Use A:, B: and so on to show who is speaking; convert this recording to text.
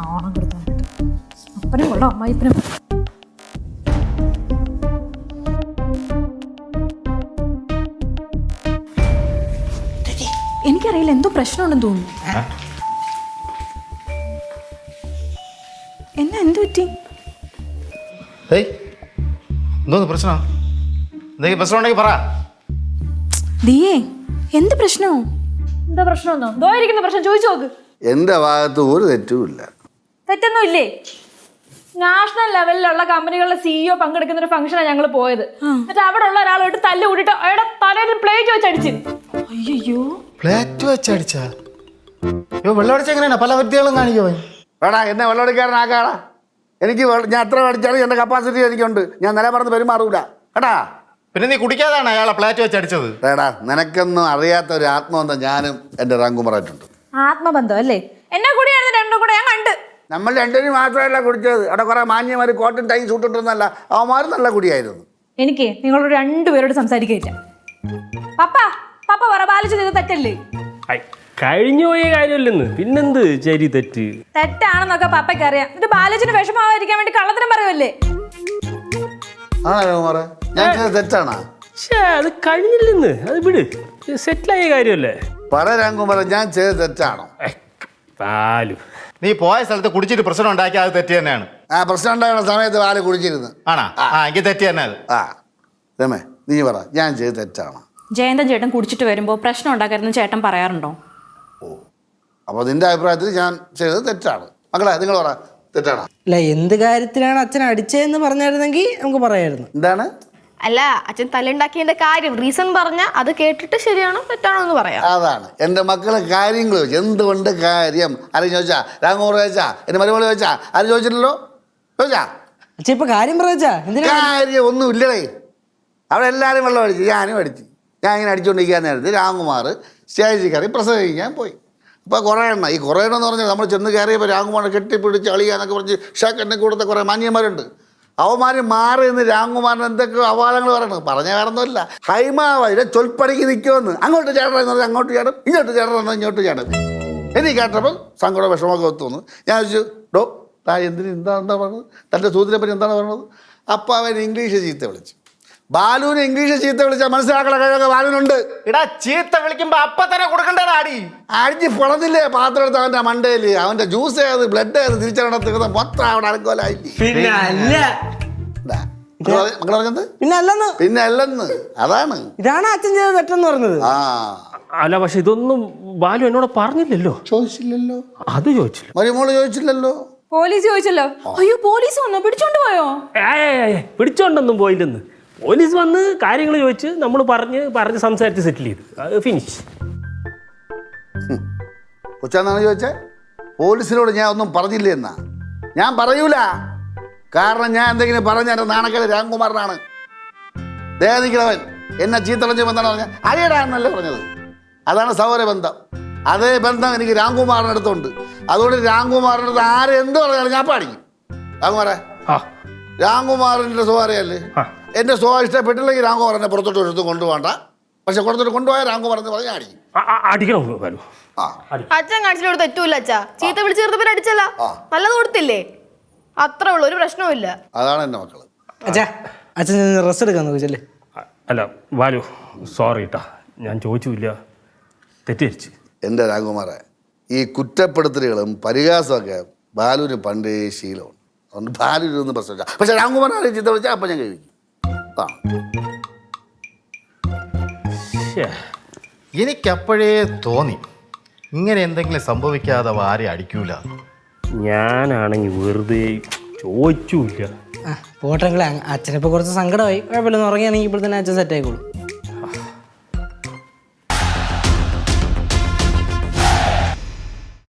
A: നാണം കൊടുത്താനായിട്ട് അപ്പനും കൊള്ളാം അമ്മായിപ്പനും. എനിക്കറിയില്ല, എന്തോ പ്രശ്നമുണ്ടെന്ന് തോന്നുന്നു. എന്നാ എന്ത് പറ്റി?
B: എന്തോന്ന് പ്രശ്നം? എന്തെങ്കിലും പ്രശ്നം ഉണ്ടെങ്കിൽ പറ.
A: ദിയേ, എന്ത് പ്രശ്നമോ?
C: എന്താ പ്രശ്നമൊന്നോ? ദോയിരിക്കുന്ന പ്രശ്നം ചോദിച്ചു നോക്ക്.
D: എന്റെ ഭാഗത്ത് ഒരു തെറ്റുമില്ല.
C: തെറ്റൊന്നും ഇല്ലേ? നാഷണൽ ലെവലിലുള്ള കമ്പനികളുടെ സിഇഒ പങ്കെടുക്കുന്ന ഒരു ഫംഗ്ഷനാണ് ഞങ്ങൾ പോയത്. എന്നിട്ട് അവിടെ ഉള്ള ഒരാളോട്ട് തല്ല് കൂട്ടിട്ട് അയാളുടെ തലയിൽ പ്ലേറ്റ് വെച്ച് അടിച്ചു.
A: അയ്യോ,
B: പ്ലേറ്റ് വെച്ചടിച്ചാ? വെള്ളം അടിച്ച എങ്ങനെയാണ്? പല വ്യക്തികളും കാണിക്കോ?
D: വേടാ, എന്നെ വെള്ളമടിക്കാരനാക്കാടാ. എനിക്ക് ഞാൻ എത്ര അടിച്ചാലും എൻ്റെ കപ്പാസിറ്റി എനിക്കുണ്ട്. ഞാൻ നില പറഞ്ഞ് പെരുമാറൂല കേട്ടാ.
B: പിന്നെ നീ കുടിക്കാതാണ് അയാളെ പ്ലേറ്റ് വെച്ചടിച്ചത്?
D: വേടാ, നിനക്കൊന്നും അറിയാത്ത ഒരു ആത്മബന്ധം ഞാനും എൻ്റെ റാങ്കുമാറായിട്ടുണ്ട്.
C: ആത്മബന്ധം അല്ലേ? എന്നെ കൂടിയായിരുന്നു രണ്ടും കൂടെ ഞാൻ കണ്ട്.
D: നമ്മൾ രണ്ടുപേരും മാത്രമല്ല കുടിച്ചത്. അവിടെ കുറെ മാന്യമാർ കോട്ടും ടൈം സൂട്ടിട്ടൊന്നല്ല, അവന്മാരും നല്ല കുടിയായിരുന്നു.
C: എനിക്ക് നിങ്ങളോട് രണ്ടുപേരോട് സംസാരിക്കില്ല. പപ്പ പപ്പ പറ, ബാലിച്ച് ചെയ്ത് തെറ്റല്ലേ?
E: കഴിഞ്ഞു പോയ കാര്യമല്ലെന്ന് പിന്നെന്ത് ശരി തെറ്റ്?
C: തെറ്റാണെന്നൊക്കെ പപ്പയ്ക്ക് അറിയാം. എന്നിട്ട് ബാലിച്ചിന് വിഷമാവാതിരിക്കാൻ വേണ്ടി കള്ളത്തിനും പറയുമല്ലേ?
D: ആണോ കുമാറേ? ഞാൻ ചെയ്തത് തെറ്റാണോ?
E: അത് കഴിഞ്ഞില്ലെന്ന്, അത് വിട്, സെറ്റിലായ കാര്യമല്ലേ.
D: പറ രാംകുമാറേ, ഞാൻ ചെയ്തത് തെറ്റാണോ?
E: പാലു,
B: നീ പോയ സ്ഥലത്ത് കുടിച്ചിട്ട് പ്രശ്നം ഉണ്ടാക്കി, അത് തെറ്റ് തന്നെയാണ്.
D: ആ പ്രശ്നം ഉണ്ടാകുന്ന സമയത്ത് പാല് കുടിച്ചിരുന്നു.
B: ആണാ? എനിക്ക് തെറ്റ് തന്നെ അത്.
D: രമേ, നീ പറ, ഞാൻ ചെയ്തത് തെറ്റാണോ?
A: ജയന്തൻ ചേട്ടൻ കുടിച്ചിട്ട് വരുമ്പോൾ പ്രശ്നം ഉണ്ടാക്കരുതെന്ന് ചേട്ടൻ പറയാറുണ്ടോ?
D: ഓ, അപ്പോൾ നിന്റെ അഭിപ്രായത്തിൽ ഞാൻ ചെയ്തത് തെറ്റാണ്. മക്കളെ, നിങ്ങൾ പറ, തെറ്റാണോ?
F: അല്ല, എന്ത് കാര്യത്തിലാണ് അച്ഛൻ അടിച്ചതെന്ന് പറഞ്ഞായിരുന്നെങ്കിൽ നമുക്ക് പറയായിരുന്നു.
D: എന്താണ്?
G: അല്ല, അച്ഛൻ തല്ലുണ്ടാക്കിയതിന്റെ കാര്യം റീസൺ പറഞ്ഞ അത് കേട്ടിട്ട് ശരിയാണോ തെറ്റാണോ എന്ന് പറയാം.
D: അതാണ് എൻ്റെ മക്കളെ കാര്യങ്ങൾ ചോദിച്ചു. എന്തുകൊണ്ട് കാര്യം ആരും ചോദിച്ചാ? രാംകുമാർ ചോദിച്ചാ? എൻ്റെ മരുമോള് ചോദിച്ചാ? ആരും ചോദിച്ചില്ലല്ലോ. ചോദിച്ചാ?
F: അച്ഛൻ ഇപ്പൊ കാര്യം പറയാ എന്തിനാ?
D: കാര്യം ഒന്നും ഇല്ലടേ. അവിടെ എല്ലാവരും വെള്ളം അടിച്ചു, ഞാനും അടിച്ചു. ഞാൻ ഇങ്ങനെ അടിച്ചുകൊണ്ടിരിക്കാൻ നേരത്ത് രാംകുമാർ സ്റ്റേജിൽ കയറി പ്രസംഗിക്കാൻ പോയി. അപ്പോൾ കുറേ എണ്ണം, ഈ കുറേ എണ്ണം എന്ന് പറഞ്ഞാൽ നമ്മൾ ചെന്ന് കയറിയപ്പോൾ രാംകുമാറിനെ കെട്ടിപ്പിടിച്ച് അളിയാന്നൊക്കെ പറഞ്ഞ് ഷാക്കെന്നെ കൂടത്തെ കുറേ മാന്യന്മാരുണ്ട്. അവന്മാർ മാറി നിന്ന് രാംകുമാറിന് എന്തൊക്കെ അവാദങ്ങൾ പറയണം. പറഞ്ഞ വേറൊന്നുമില്ല, ഹൈമാവതിലെ ചൊൽപ്പടിക്ക് നിൽക്കുമെന്ന്. അങ്ങോട്ട് ചേട്ടൻ എന്ന് പറഞ്ഞാൽ അങ്ങോട്ട് ചേട്ടൻ, ഇങ്ങോട്ട് ചേട്ടൻ എന്നാൽ ഇങ്ങോട്ട് ചേട്ടൻ. എനിക്ക് കേട്ടപ്പോൾ സങ്കടം വിഷമമൊക്കെ ഒത്തുവന്നു. ഞാൻ ചോദിച്ചു, ഡോ താ എന്തിന് എന്താ പറഞ്ഞത്? തൻ്റെ സൂതിനെ പറ്റി എന്താണ് പറഞ്ഞത്? അപ്പോൾ അവൻ ഇംഗ്ലീഷ് ചീത്ത വിളിച്ചു. ബാലുവിന് ഇംഗ്ലീഷ് ചീത്ത വിളിച്ചാൽ മനസ്സിലാക്കണ കഴിവൊക്കെ ബാലുവിനുണ്ട്.
B: ഇടാ, ചീത്ത വിളിക്കുമ്പോ അപ്പൊ തന്നെ കൊടുക്കണ്ടേടാ അടി.
D: അടിച്ച് പൊളന്നില്ലേ പാത്രം എടുത്ത് അവൻ്റെ മണ്ടയിൽ. അവൻ്റെ ജ്യൂസ് ഏത് ബ്ലഡ് ഏത് തിരിച്ചറിയണ മൊത്തം അവിടെ അനക്കോലായില്ലേ.
F: പിന്നെ അല്ല,
D: മക്കൾ പറഞ്ഞത്
F: പിന്നെ
D: അല്ലെന്ന്. അതാണ്
F: ഇതാണ് അച്ഛൻ ചെയ്ത തെറ്റെന്ന് പറഞ്ഞത്.
E: അല്ല, പക്ഷെ ഇതൊന്നും ബാലു എന്നോട് പറഞ്ഞില്ലല്ലോ.
D: ചോദിച്ചില്ലല്ലോ.
E: അത് ചോദിച്ചില്ല,
D: മരുമോള് ചോദിച്ചില്ലല്ലോ.
C: പോലീസ് ചോദിച്ചല്ലോ.
A: അയ്യോ, പോലീസ് വന്നോ? പിടിച്ചോണ്ട് പോയോ?
E: പിടിച്ചോണ്ടൊന്നും പോയില്ലെന്ന്. പോലീസ് വന്ന് കാര്യങ്ങൾ ചോദിച്ച് നമ്മൾ പറഞ്ഞ് സംസാരിച്ച് സെറ്റിൽ ചെയ്തു. അത് ഫിനിഷ്.
D: കൊച്ചാന്നാണ് ചോദിച്ചേ? പോലീസിനോട് ഞാൻ ഒന്നും പറഞ്ഞില്ല എന്നാ? ഞാൻ പറയൂല. കാരണം ഞാൻ എന്തെങ്കിലും പറഞ്ഞ എൻ്റെ നാണക്കേട് രാംകുമാറിനാണ്. ദേഹിക്കണവൻ എന്നെ ചീത്തളഞ്ഞപ്പോൾ എന്താണ് പറഞ്ഞത്? അരിയടാ എന്നല്ലേ പറഞ്ഞത്. അതാണ് സൗരബന്ധം. അതേ ബന്ധം എനിക്ക് രാംകുമാറിൻ്റെ അടുത്തുണ്ട്. അതുകൊണ്ട് രാംകുമാറിൻ്റെ അടുത്ത് ആരെന്ത് പറഞ്ഞാലും ഞാൻ പാടിക്കും. രാംകുമാറെ, രാംകുമാറിൻ്റെ സ്വഭാവമല്ലേ? എൻ്റെ സ്വഭാവം ഇഷ്ടപ്പെട്ടില്ലെങ്കിൽ രാംകുമാർ എന്നെ പുറത്തോട്ട് എടുത്ത് കൊണ്ടുപോകണ്ട. പക്ഷെ പുറത്തോട്ട് കൊണ്ടുപോയാൽ രാംകുമാർ എന്ന് പറഞ്ഞാൽ അടിക്കും.
E: അടിക്കണം ബാലു.
G: അച്ഛൻ കാണിച്ചിട്ട് തെറ്റൂല. അച്ഛാ ചീത്ത വിളിച്ച് ചേർത്തപ്പോൾ അടിച്ചല്ല, നല്ലത് കൊടുത്തില്ലേ? അത്രേ ഉള്ളൂ, ഒരു പ്രശ്നവുമില്ല.
D: അതാണ് എൻ്റെ മക്കള്.
F: അച്ഛാ, അച്ഛൻ റെസ്റ്റ് എടുക്കാൻ നോക്കിച്ചല്ലേ?
E: അല്ല ബാലു, സോറി കേട്ടാ, ഞാൻ ചോദിച്ചില്ല, തെറ്റിദ്ധരിച്ച്.
D: എൻ്റെ രാംകുമാറെ, ഈ കുറ്റപ്പെടുത്തലുകളും പരിഹാസമൊക്കെ ബാലുവിന് പണ്ടേ ശീലമാണ്. അതുകൊണ്ട് ബാലുവിനൊന്നും പ്രശ്നമില്ല. പക്ഷെ രാംകുമാറിനെ ചീത്ത വിളിച്ചാൽ അപ്പം ഞാൻ കഴിക്കും.
B: എനിക്കപ്പോഴേ തോന്നി ഇങ്ങനെ എന്തെങ്കിലും സംഭവിക്കാതെ ആരെ അടിക്കൂല.
E: ഞാനാണെങ്കിൽ വെറുതെ ചോദിച്ചില്ല.
F: പോട്ടെങ്കിൽ അച്ഛനിപ്പോൾ കുറച്ച് സങ്കടമായി. കുഴപ്പമില്ലെന്ന് ഉറങ്ങിയാണെങ്കിൽ ഇപ്പോൾ തന്നെ അച്ഛൻ സെറ്റ് ആയിക്കോളൂ.